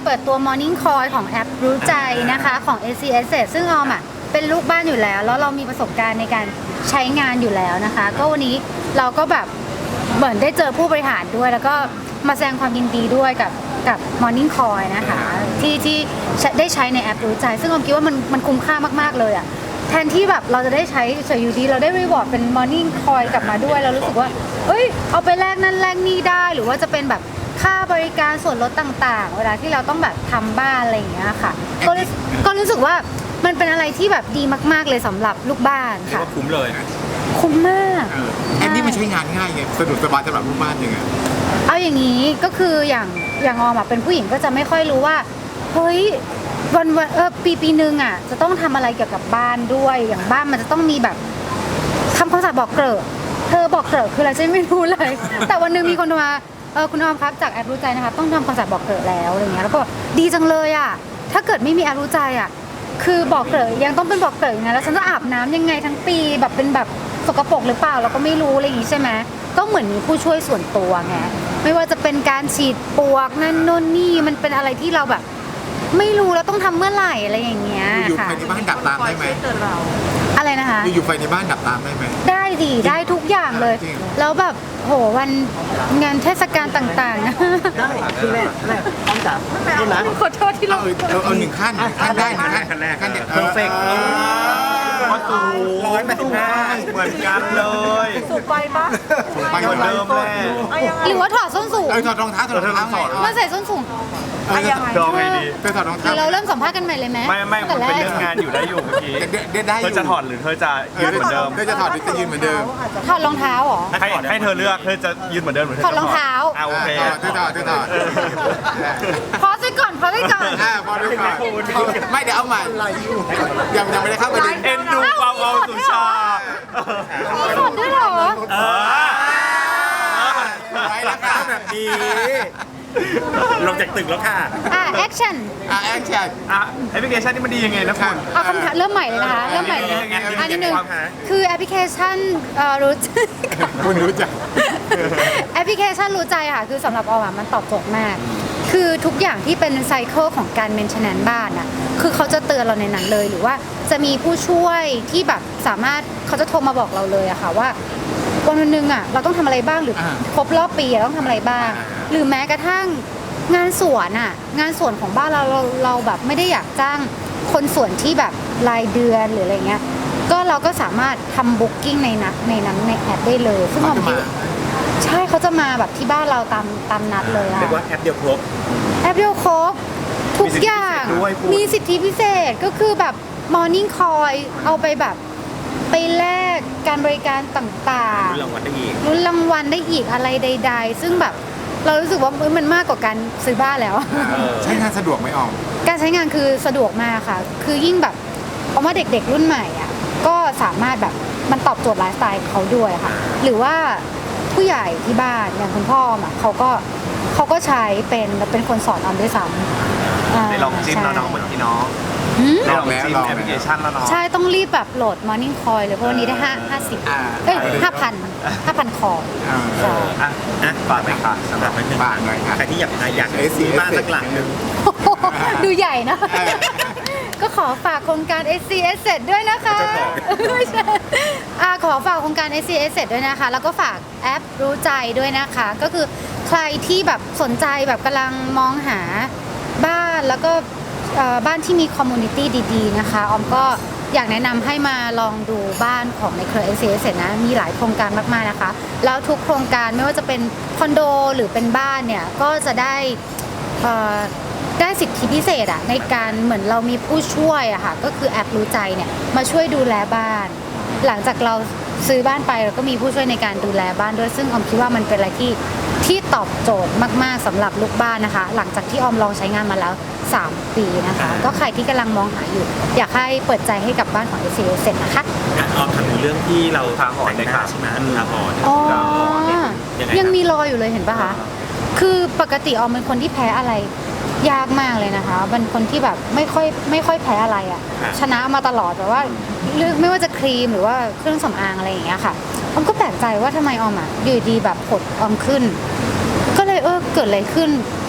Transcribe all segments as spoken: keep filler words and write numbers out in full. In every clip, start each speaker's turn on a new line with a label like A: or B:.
A: ปิดตัว Morning Call ของแอปรู้ใจนะคะของ เอ ซี เอส ซึ่งออมอ่ะเป็นลูกบ้านอยู่แล้วแล้วเรามีประสบการณ์ในการใช้งานอยู่แล้วนะคะก็วันนี้เราก็แบบเหมือนได้เจอผู้บริหารด้วย แล้วก็มาแสดงความยินดีด้วยกับกับ Morning Call นะคะที่ที่ได้ใช้ในแอปรู้ใจซึ่งออมคิดว่ามันมันคุ้มค่ามากๆเลยอ่ะแทนที่แบบเราจะได้ใช้เฉยอยู่ดีเราได้รีวอร์ดเป็น Morning Call กลับมาด้วยเรารู้สึกว่าเอ้ยเอาไปแลกนั่นแลกนี่ได้หรือว่าจะเป็นแบบค่าบริการส่วนลดต่างๆเวลาที่เราต้องแบบทำบ้านอะไรอย่างเงี้ยค่ะก็ก็รู้สึกว่ามันเป็นอะไรที่แบบดีมากๆเลยสำหรับลูกบ้านค่ะ
B: คุ้มเลย
A: คุ้มมาก
C: แอปนี้มันใช้งานง่ายไงสะดวกสบายสำหรับลูกบ้านยังไง
A: เอาอย่างนี้ก็คืออย่างอย่างออมอ่ะเป็นผู้หญิงก็จะไม่ค่อยรู้ว่าเฮ้ยวันวันเออปีปีนึงอ่ะจะต้องทำอะไรเกี่ยวกับบ้านด้วยอย่างบ้านมันจะต้องมีแบบทำความสะอาดบอกเกลอะเธอบอกเกลอะคืออะไรฉันไม่รู้เลย แต่วันนึงมีคนมาเออคุณออมครับจากแอปรู้ใจนะคะต้องทำความสะอาดบอกเกลอะแล้วอะไรเงี้ยแล้วก็ดีจังเลยอ่ะถ้าเกิดไม่มีแอปรู้ใจอ่ะคือบอกเกลอะยังต้องเป็นบอกเกลอะนะแล้วฉันจะอาบน้ำยังไงทั้งปีแบบเป็นแบบสกปรกหรือเปล่าเราก็ไม่รู้อะไรอย่างงี้ใช่ไหมก็เหมือนมีผู้ช่วยส่วนตัวไงไม่ว่าจะเป็นการฉีดปลวกนั่นโน่นนี่มันเป็นอะไรที่เราแบบไม่รู้แล้วต้องทำเมื่อไหร่อะไรอย่างเงี้ย
C: อยู่
A: ค่ะ
C: ไฟในบ้านดับตามได้ไหม
A: อะไรนะคะ
C: อยู่ไฟในบ้านดับตามได้ไหม
A: ได้ดีได้ทุกอย่างเลยแล้วแบบโหวันงานเทศกาลต่างๆนะ
D: ได้คือแม่แม่ต้องจับนี่นะ
A: ขอโทษที่เรา
C: เอาเอาหนึ่งขั้นขั้นได้หนึ่งขั้นขั้นแรกขั้นเดียวเพอร์เฟกต์
B: พอสูงร้อยแปดสิบห้าเหมือนกันเลย
A: สูงไปปะ
C: ไปเหมือนเดิมแม่
A: หรือว่าถอดส้นสูง
C: เออถอดรองเท้าถอดรองเท้า
A: มาใส่ส้นสูง
B: ดองไงดี
C: เธอถอดรองเท้า
A: เราเริ่มสัมภาษณ์กันใหม่เลยไหม
B: ไม่ไม่มันเป็นเรื่องงานอยู่ได้อยู่เมื่อกี้เธอจะถอดหรือเธอจะยืนเหมือนเดิม
C: เธอจะถอดหรือจะยืนเหมือนเดิม
A: ถอดรองเท้าเหรอ
B: ให้ให้เธอเลือกเธอจะยืนเหมือนเดิมหรือ
A: ถอดรองเท้า
B: อ่าโอเค
C: เธอถอดเธอถอด
A: พอสิก่อนพอสิก่อน
C: อ่าพอด้วยก่อนไม่เดี๋ยวเอาใหม่ยังยังไม่ได้เข้าประเด็น
B: เอ็นดูความเอาสุชา
A: ถอดด้วยเหรอ
B: เออ
C: ไว้แล้วค่ะ
B: แบบนี้ลงจากตึกแล้วค่ะ
A: อ่ะแอคชั่น
C: อ่ะแอคชั่น
B: อ่ะแอปพลิเคชันนี่มันดียังไงนะคุณ
A: เอาคำถามเริ่มใหม่เลยนะคะเริ่มใหม่เลยอันนี้หนึ่งคือแอปพลิเคชันรู้
C: คุณรู้จัก
A: แอปพลิเคชันรู้ใจค่ะคือสำหรับออมมันตอบโจทย์มากคือทุกอย่างที่เป็นไซเคิลของการเมนเทนแนนซ์บ้านอ่ะคือเขาจะเตือนเราในนั้นเลยหรือว่าจะมีผู้ช่วยที่แบบสามารถเขาจะโทรมาบอกเราเลยอะค่ะว่าวันวันหนึ่งอ่ะเราต้องทำอะไรบ้างหรือครบรอบปีต้องทำอะไรบ้างหรือแม้กระทั่งงานสวนอ่ะงานสวนของบ้านเราเราเราแบบไม่ได้อยากจ้างคนสวนที่แบบรายเดือนหรืออะไรเงี้ยก็เราก็สามารถทำบุ๊กิ้งในนัดในนั้นในแอปได้เลยซึ่งผมคิดใช่เขาจะมาแบบที่บ้านเราตามตามนัดเลยอะ
B: เรียกว่าแอปเดียวครบ
A: แอปเดียวครบทุกอย่างมีสิทธิพิเศษก็คือแบบ Morning Call เอาไปแบบไปแลกการบริการต่างๆ
B: ลุ้นรางวัลได้อีก
A: ลุ้นรางวัลได้อีกอะไรใดๆซึ่งแบบเรารู้สึกว่ามันมากกว่าการซื้อบ้านแล้ว
C: ใช้งานสะดวกไหมออม
A: การใช้งานคือสะดวกมากค่ะคือยิ่งแบบเอาว่าเด็กๆรุ่นใหม่อ่ะก็สามารถแบบมันตอบโจทย์ไลฟ์สไตล์เขาด้วยค่ะหรือว่าผู้ใหญ่ที่บ้านอย่างคุณพ่ออ่ะเขาก็เขาก็ใช้เป็นเป็นคนสอนออมด้วยซ้ำ
B: ได้ลองจิ้มแล้วน้องเหมือนพี่น้องได้ลองจิ้มแอปพลิเคชันแล้วน้อง
A: ใช่ต้องรีบแบบโหลด Morning Call เลยเพราะวันนี้ได้ห้าห้าสิบเอ้ยห้าพันห้าพันคอ
B: ใช่อ่ะนะฝากไปค่ะสำหรับเป็น
C: ฝากหน่อยค่ะ
B: ใครที่อยากอยากซื้อบ้านสักหลังนึง
A: ดูใหญ่นะก็ขอฝากโครงการ เอส ซี เอส ด้วยนะคะไม่ใช่ขอฝากโครงการ เอส ซี เอส ด้วยนะคะแล้วก็ฝากแอปรู้ใจด้วยนะคะก็คือใครที่แบบสนใจแบบกำลังมองหาบ้านแล้วก็บ้านที่มีคอมมูนิตี้ดีๆนะคะออมก็อยากแนะนำให้มาลองดูบ้านของในเครือ เอส ซี เอส นะมีหลายโครงการมากๆนะคะแล้วทุกโครงการไม่ว่าจะเป็นคอนโดหรือเป็นบ้านเนี่ยก็จะได้ได้สิทธิพิเศษอะในการเหมือนเรามีผู้ช่วยอะค่ะก็คือแอปรู้ใจเนี่ยมาช่วยดูแลบ้านหลังจากเราซื้อบ้านไปเราก็มีผู้ช่วยในการดูแลบ้านด้วยซึ่งออมคิดว่ามันเป็นอะไรที่ที่ตอบโจทย์มากๆสำหรับลูกบ้านนะคะหลังจากที่ออมลองใช้งานมาแล้วสามปีนะคะก็ใครที่กำลังมองหาอยู่อยากให้เปิดใจให้กับบ้านของ เอ ซี เอส นะคะ
B: ออมทำถึงเรื่องที่เราทางหอนได้ค่ะใช่ไหมทางหอน
A: อ๋อยังมีรอยอยู่เลยเห็นปะคะคือปกติออมเป็นคนที่แพ้อะไรยากมากเลยนะคะเป็นคนที่แบบไม่ค่อยไม่ค่อยแพ้อะไรอ่ะชนะมาตลอดแบบว่าเลือกไม่ว่าจะครีมหรือว่าเครื่องสำอางอะไรอย่างเงี้ยค่ะออมก็แปลกใจว่าทำไมออมอ่ะอยู่ดีแบบผดออมขึ้นก็เลยเออเกิดอะไรขึ้นต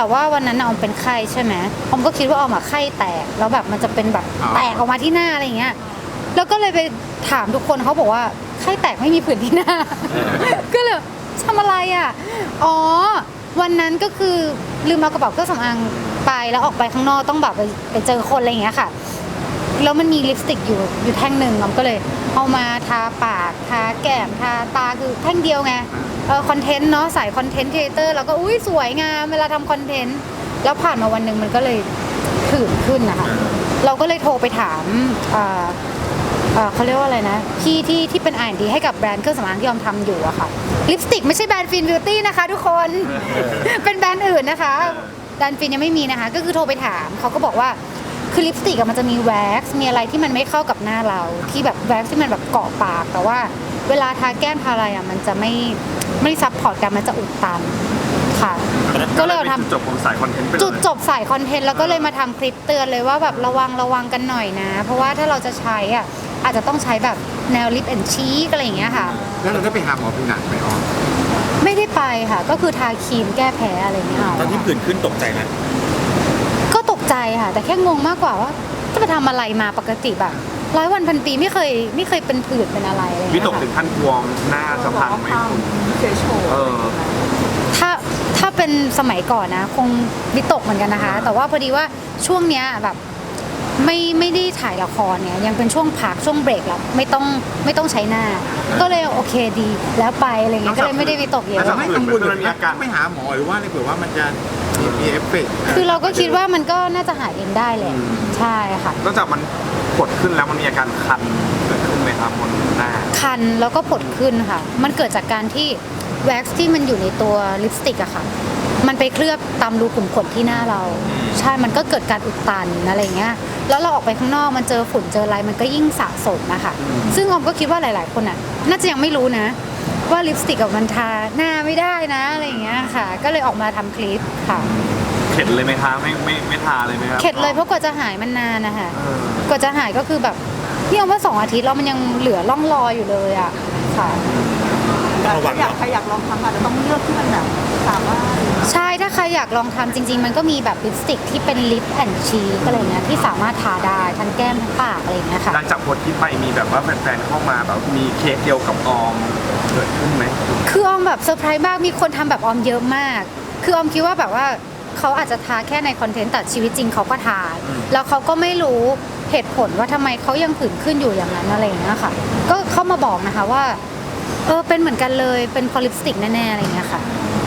A: แต่ว่าวันนั้นน่ะออมเป็นไข้ใช่ไหมออมก็คิดว่าออมอะไข้แตกแล้วแบบมันจะเป็นแบบแตกออกมาที่หน้าอะไรอย่างเงี้ยแล้วก็เลยไปถามทุกคนเขาบอกว่าไข้แตกไม่มีผื่นที่หน้า ก็เลยทำอะไรอ่ะอ๋อวันนั้นก็คือลืมเอากระเป๋าเครื่องสำอางไปแล้วออกไปข้างนอกต้องแบบไปไปเจอคนอะไรอย่างเงี้ยค่ะแล้วมันมีลิปสติกอยู่อยู่แท่งหนึ่งออมก็เลยเอามาทาปากทาแก้มทาตาคือแท่งเดียวไงเออคอนเทนต์เนาะสายคอนเทนต์ครีเอเตอร์แล้วก็อุ้ยสวยงามเวลาทำคอนเทนต์แล้วผ่านมาวันหนึ่งมันก็เลยผื่นขึ้นนะคะเราก็เลยโทรไปถามอ่าอ่าเขาเรียกว่าอะไรนะพี่ที่ที่เป็น อาร์ แอนด์ ดี ให้กับแบรนด์เครื่องสำอางที่ออมทำอยู่อะค่ะลิปสติกไม่ใช่แบรนด์ฟินบิวตี้นะคะทุกคน เป็นแบรนด์อื่นนะคะแบรนด์ฟินยังไม่มีนะคะก็คือโทรไปถามเขาก็บอกว่าคือลิปสติกมันจะมีแว็กซ์มีอะไรที่มันไม่เข้ากับหน้าเราที่แบบแว็กซ์ที่มันแบบเกาะปากแต่ว่าเวลาทาแก้มทาอะไรอะมันจะไม่ไม่ซับพอร์ตกันมันจะอุดตันค่ะก็เลยทำ
B: จุดจบของสายคอนเทนต์ไปเลย
A: จุดจบสายคอนเทนต์แล้วก็เลยมาทำคลิปเตือนเลยว่าแบบระวังระวังกันหน่อยนะ เพราะว่าถ้าเราจะใช้อ่ะอาจจะต้องใช้แบบแนวลิปแอนชีกอะไรอย่างเงี้ยค่ะ
C: แล้วเราได้ไปหาหมอผิวหนังไหมอ๋อ
A: ไม่ได้ไปค่ะ ก็คือทาครีมแก้แพ้อะไรเงี้ยเอา
B: ตอนที่ผื่นขึ้นตกใจไหม
A: ก็ตกใจค่ะ แต่แค่งงมากกว่าว่าจะไปทำอะไรมาปกติแบบร้อยวันพันปีไม่เคยไม่เคยเป็นผื่นเป็นอะไรอะไร
B: วิ
A: เงี้ย
B: ตกถึงขั้นกลัวหน้าจะพังไหมคุณเออ
A: ถ้าถ้าเป็นสมัยก่อนนะ คงวิตกเหมือนกันนะคะ แต่ว่าพอดีว่าช่วงเนี้ยแบบไม่ไม่ได้ถ่ายละครเนี่ยยังเป็นช่วงพักช่วงเบรกแล้วไม่ต้องไม่ต้องใช้หน้า ก็เลยโอเคดีแล้วไปอะไรเงี้ยก็เลยไม่ได้วิตกเย
C: แต่
A: อะ
C: ไม่กังวลเลยมีอาการไม่หาหมอหรือว่าอะไรเผื่อว่ามันจะมีเอฟเฟกต์
A: คือเราก็คิดว่ามันก็น่าจะหายเองได้แหละใช่ค่ะ
B: นอกจากมันกดขึ้นแล้วมันมีอาการคันเกิดขึ้นไหมครับบนหน้า
A: คันแล้วก็ผดขึ้นค่ะ มันเกิดจากการที่แว็กซ์ที่มันอยู่ในตัวลิปสติกอะค่ะ มันไปเคลือบตามรูขุมขนที่หน้าเรา ใช่ มันก็เกิดการอุดตันอะไรเงี้ย แล้วเราออกไปข้างนอกมันเจอฝุ่นเจออะไรมันก็ยิ่งสะสมนะคะซึ่งออมก็คิดว่าหลาย ๆ คนอะน่าจะยังไม่รู้นะ ว่าลิปสติกกับมันทาหน้าไม่ได้นะอะไรเงี้ยค่ะ ก็เลยออกมาทำคลิปค่ะ
B: เข็ดเลยไหมคะไม่ไม่ไม่ทาเลยไหมครับ
A: เข็ดเลยเพราะกว่าจะหายมันนานนะคะ
B: เออก
A: ว่าจะหายก็คือแบบนี่เอาว่าสองอาทิตย์แล้วมันยังเหลือร่องรอยอยู่เลยอะค่ะ
B: ระวัง
E: อยากใครอยากลองทำอาจจะต้องเลือกที่มันแบบสามารถ
A: ใช่ถ้าใครอยากลองทำจริง ๆ มันก็มีแบบลิปสติกที่เป็นลิปแอนชีกอะไรเงี้ยที่สามารถทาได้ทั้งแก้มทั้งปากอะไรเงี้ยค่ะ
B: หลังจากโพสต์ที่ไปมีแบบว่าแฟนๆเข้ามาแบบมีเค้กเดียวกับออมเกิดขึ้นไหม
A: คือออมแบบเซอร์ไพรส์มากมีคนทำแบบออมเยอะมาก คือออมคิดว่าแบบว่าเขาอาจจะทาแค่ในคอนเทนต์แต่ชีวิตจริงเขาก็ทาแล้วเขาก็ไม่รู้เหตุผลว่าทำไมเขายังผื่นขึ้นอยู่อย่างนั้นอะไรอย่างเงี้ยค่ะ ก็เข้ามาบอกนะคะว่าเออเป็นเหมือนกันเลยเป็นพอลิปสติกแน่ๆอะไรอย่างเงี้ยค่ะ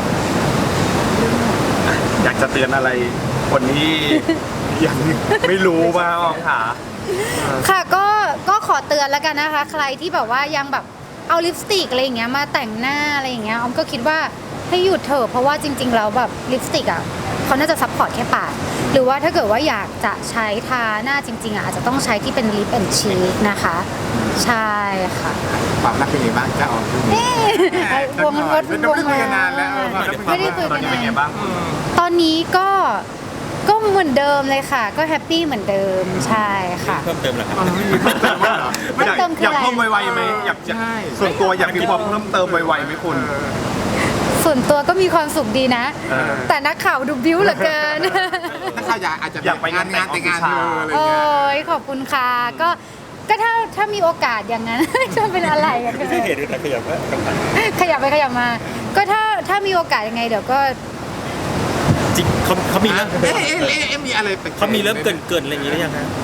B: อยากจะเตือนอะไรคนที่ ยังไม่รู้ว่าออมค่ะ
A: ค่ะก็ก็ขอเตือนแล้วกันนะคะ ใครที่แบบว่ายังแบบเอาลิปสติกอะไรอย่างเงี้ยมาแต่งหน้าอะไรอย่างเงี้ยออมก็คิดว่าให้หยุดเถอะเพราะว่าจริงๆแล้วแบบลิปสติกอ่ะเขาน่าจะซัพพอร์ตแค่ปากหรือว่าถ้าเกิดว่าอยากจะใช้ทาหน้าจริงๆอ่ะอาจจะต้องใช้ที่เป็นลิปแอนชีกนะคะ ใช่ค่ะ
C: ความรักเป็นไงบ้างจ้าอ๋อช่วงนี้
A: วงรถ
C: เป็น
A: วง
C: ไม่ได้คุยกันนานแล้วเออความรัก
A: ไม่ได้คุย
B: ต
A: กั
B: อน
A: น
B: นี้เป็นไง
A: นาน
B: บ้าง
A: ตอนนี้ก็ก็เหมือนเดิมเลยค่ะ ก็แฮปปี้เหมือนเดิมใช่ค่ะ
B: เพิ่มเติมเหรอครับ
C: อ๋อไม่มีเพิ่มเติมบ้างเหรอ
A: เพิ่มเติมคือ
B: อยาก
A: อะไร
B: เพิ่มไวๆไหมอยากจะ
C: ใช่
B: ส่วนตัวอยากมีความเพิ่มเติมไวๆไหมคุณ
A: ส่วนตัวก็มีความสุขดีนะ
B: เออ
A: แต่นักข่าวดูบิ้วเหลือเกิน
C: ถ้าเขาอยากอาจจะ
B: อยากไป
C: งานงานแต่งงาน
B: แต่ง
C: เธ
B: งาน
C: ออะไร
A: โอ้
C: เงี้ย
A: ยขอบคุณค่ะก็ก็ถ้าถ้ามีโอกาสอย่างนั้น จะเป็นอะไรอะเธอ
B: ที่เห็นแต่ขยับว่า
A: ขยับไปขยับมา ก็ถ้าถ้ามีโอกาสยังไงเดี๋ยวก็
F: จริงเขาเขามีเริ่ม
C: เอ๊ะเอ๊ะเอ๊ะเอ๊ะมีอะไรแปลกๆ
F: เขามีเริ่มเกินเกินๆอะไรอย่างนี้หรือยังฮะ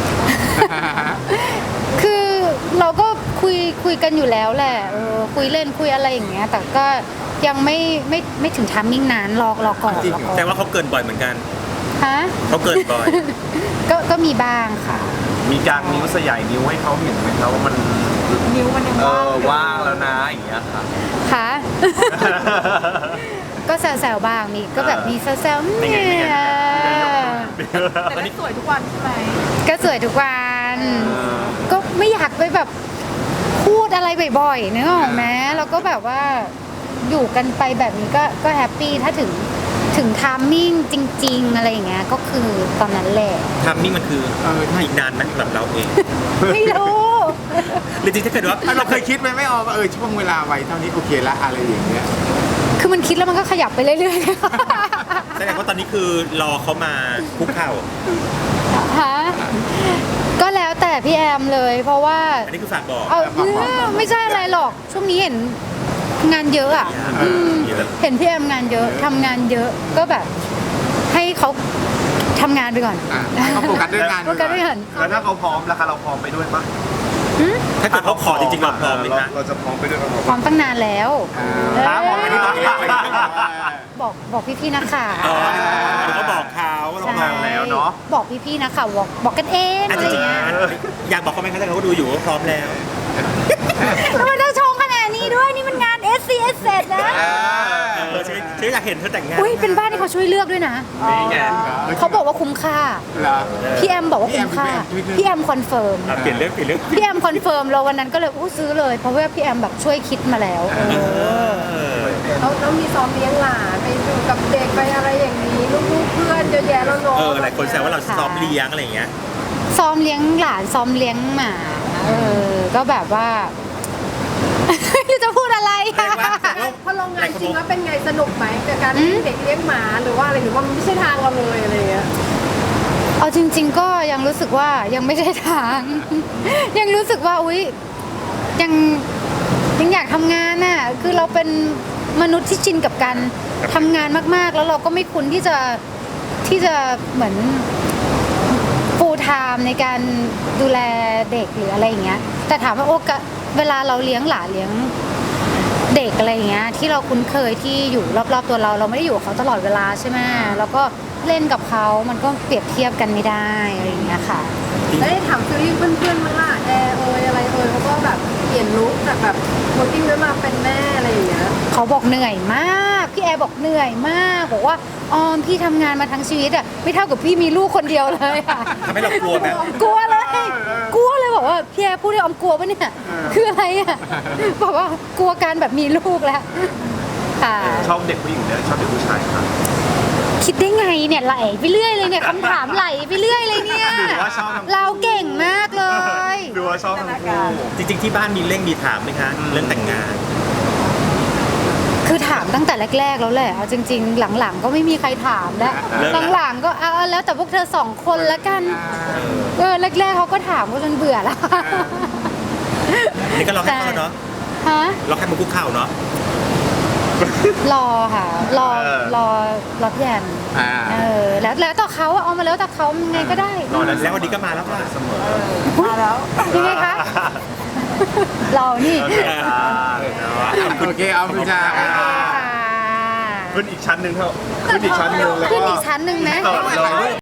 A: คือเราก็คุยคุยกันอยู่แล้วแหละเออคุยเล่นคุยอะไรอย่างเงี้ย แต่ก็ยังไม่ไม่ไม่ถึงทามมิ่งนานรอรอก่อนรอก่อน
F: แต่ว่าเขาเกินบ่อยเหมือนกัน
A: ฮะ
F: เขาเกินบ่อย
A: ก็ก็มีบ้างค่ะ
B: มีการนิ้วสยายนิ้วให้เขาเห็นไหมครับว่ามัน
E: นิ้วมันยัง
B: เอ
E: ว่าง
B: อ
E: อยู่
B: ว่างแล้วนะอย่างเงี้ยค่ะ
A: ค่ะ ก็แซวๆบ้างมีก็แบบมีแซวๆ
B: นี่
A: เนี่
B: ไงนี่ไง
A: ย
E: แต่ก็สวยทุกวันใช่ไหม
A: ก็สวยทุกวันก็ไม่อยากไปแบบพูดอะไรบ่อยๆเนกอะแม้แล้วก็แบบว่าอยู่กันไปแบบนี้ก็ก็แฮปปี้ถ้าถึงถึงทามมิ่งจริง ๆ อะไรอย่างเงี้ยก็คือตอนนั้นแหละ
F: ทำนี่มันคือ
C: เออใช่
F: อีกนานไหมสำหรับเราเอง
A: ไม่รู้
F: หรือจริงๆถ้าเกิดว่า
C: เราเคยคิดไหมไม่ออกว่าเออช่วงเวลาไว้เท่านี้โอเคละอะไรอย่างเงี้ย
A: คือมันคิดแล้วมันก็ขยับไปเรื่อยๆ
F: แสดงว่าตอนนี้คือรอเขามาคุกเข่า
A: ฮะก็แล้วแต่พี่แอมเลย เพราะว่า
F: อันนี้คือฝากบอก
A: เอาไม่ใช่อะไรหรอกช่วงนี้เห็นงานเยอะอ่ะอืม
F: เยอะ
A: เห็นพี่แอมงานเยอะทำงานเยอะก็แบบให้เขาทำงานไปก่อน
C: อ่ะให้เขาโฟกัสเรื่องงาน
A: โฟกัสไปก่อน
B: แล้วถ้าเขาพร้อมแล้วคะเราพร้อมไปด้วยปะ
F: ถ้าเกิดเขาขอจริงๆเราพร้อมไหมคะ
B: เราจะพร้อมไปด้วยกันหมด
A: พร้อมตั้งนานแล้ว
B: ถามผมไม่ได้บอก
A: บอกบอกพี่ๆนักข่าว
F: อ๋อเดี๋ยวก็บอกเขาว่าเราพร้อม
B: แล้วเนาะ
A: บอกพี่ๆนักข่าวบอกบอกกันเอง
F: อ่ะ
A: อะไร
F: จริง
A: เงี้ย
F: ๆอยากบอกเขาไหมคะแต่เขาก็ดูอยู่ว่าพร้อมแล้ว
A: ทำไมต้องชงขนาดนี้ด้วยนี่มันงาน เอส ซี เอส เสร็จนะ
F: เออฉันฉันอยากเห็นเธอแต่งงาน
A: อุ้ยเป็นบ้านที่เขาช่วยเลือกด้วยนะ
B: นี่ไง
A: เขาบอกว่าคุ้มค่า
C: เหรอ
A: พี่แอมบอกว่าคุ้มค่า
C: พี่แอม
A: พี่แอมคอนเฟิร์ม
F: อ่ะเปลี่ยนเรื่องเปลี่ยนเรื่อง
A: พี่แอมคอนเฟิร์มเราวันนั้นก็เลยอู้ซื้อเลย เพราะว่าพี่แอมแบบช่วยคิดมาแล้ว
F: เออ
E: เราต้องมีซ้อมเลี้ยงหลานไปอยู่กับเด็กไปอะไรอย่างนี้ลูกๆเพื่อนเยอะแยะแล้วเนาะ
F: เออหลายคนแซวว่าเราซ้อมเลี้ยงอะไรอย่างเงี้ย
A: ซ้อมเลี้ยงหลานซ้อมเลี้ยงหมาเออก็แบบว่า จะพูดอะไรอะ
E: พอลงงานจริงแล้วเป็นไงสนุกไหมกับการเลี้ยงเด็กเลี้ยงหมาหรือว่าอะไรหรือว่ามันไม่ใช่ทางเราเลยอะไรอย่างเงี้ย
A: เอาจริง ๆ ก็ยังรู้สึกว่ายังไม่ได้ทาง ยังรู้สึกว่าอุ๊ยยังยังอยากทำงานน่ะคือเราเป็นมนุษย์ที่ชินกับการทำงานมากๆ แล้วเราก็ไม่คุ้นที่จะที่จะเหมือนฟูลไทม์ในการดูแลเด็กหรืออะไรอย่างเงี้ยแต่ถามว่าโอกาสเวลาเราเลี้ยงหลานเลี้ยงเด็กอะไรอย่างเงี้ยที่เราคุ้นเคยที่อยู่รอบๆตัวเราเราไม่ได้อยู่กับเขาตลอดเวลาใช่ไหมแล้วก็เล่นกับเขามันก็เปรียบเทียบกันไม่ได้อะไรอย่างเงี้ยค่ะ
E: แล้วได้ถามซีรีส์เพื่อนๆมั้งล่ะแอร์เอยอะไรเอยเขาก็แบบเปลี่ยนลุคจากแบบโมดิ้งแล้วมาเป็นแม่อะไรอย่างเงี้ย
A: เขาบอกเหนื่อยมากพี่แอร์บอกเหนื่อยมากบอกว่าออมพี่ทำงานมาทั้งชีวิตอะไม่เท่ากับพี่มีลูกคนเดียวเลยอะ
F: ทำให้เรากลัวไหม
A: กลัวเลยกลัวเลยบอกว่าพี่แอร์พูดได้ออมกลัวปะเนี่ยคืออะไรอะบอกว่ากลัวการแบบมีลูกแล้วค่ะ
B: ชอบเด็กผู้หญิงเนี่ยชอบเด็กผู้ชายครับ
A: คิดได้ไงเนี่ยไหลไปเรื่อยเลยเนี่ยคำถามไหลไปเรื่อยเลยเนี่ย
B: หรือว่าชอบทั้งคู่
A: เราเก่งมากเลย
B: หรือว่าชอบทั้งคู่
F: จริงๆที่บ้านมีเร่งมีถามไหมคะเรื่องแต่งงาน
A: คือถามตั้งแต่แรกๆแล้วแหละเอาจริง ๆ หลังๆ ก็ไม่มีใครถามแล้ว
F: เลิกแล้ว
A: หลังๆก็เอาแล้วแต่พวกเธอสองคนละกันเออแรกๆเขาก็ถามก็จนเบื่อแล้ว
F: นี่ก็รอให้เขาเนาะ
A: ฮะ
F: รอให้มันคุกเข่าเนาะ
A: รอค่ะ รอ
B: เออ
A: รอรอพี่แอม
C: อ่า
A: เออแล้วแล้วแต่เขาอะเอามาแล้วแต่เขาไงก็ได้
B: รอได้
F: แล้ววันนี้ก็มาแล้วค่ะ
B: เสมอ
E: มาแล้ว
A: ยังไงคะ เรานี่
B: โอเคจ้า
C: โอเคเอาคุณจ้า
A: ค่ะ
B: ขึ้นอีกชั้นหนึ่งเถอะขึ้นอีกชั้นหนึ่งแล้ว
A: ขึ้น
B: ก็
A: อีกชั้นหนึ่งไหม
B: ต่อเลย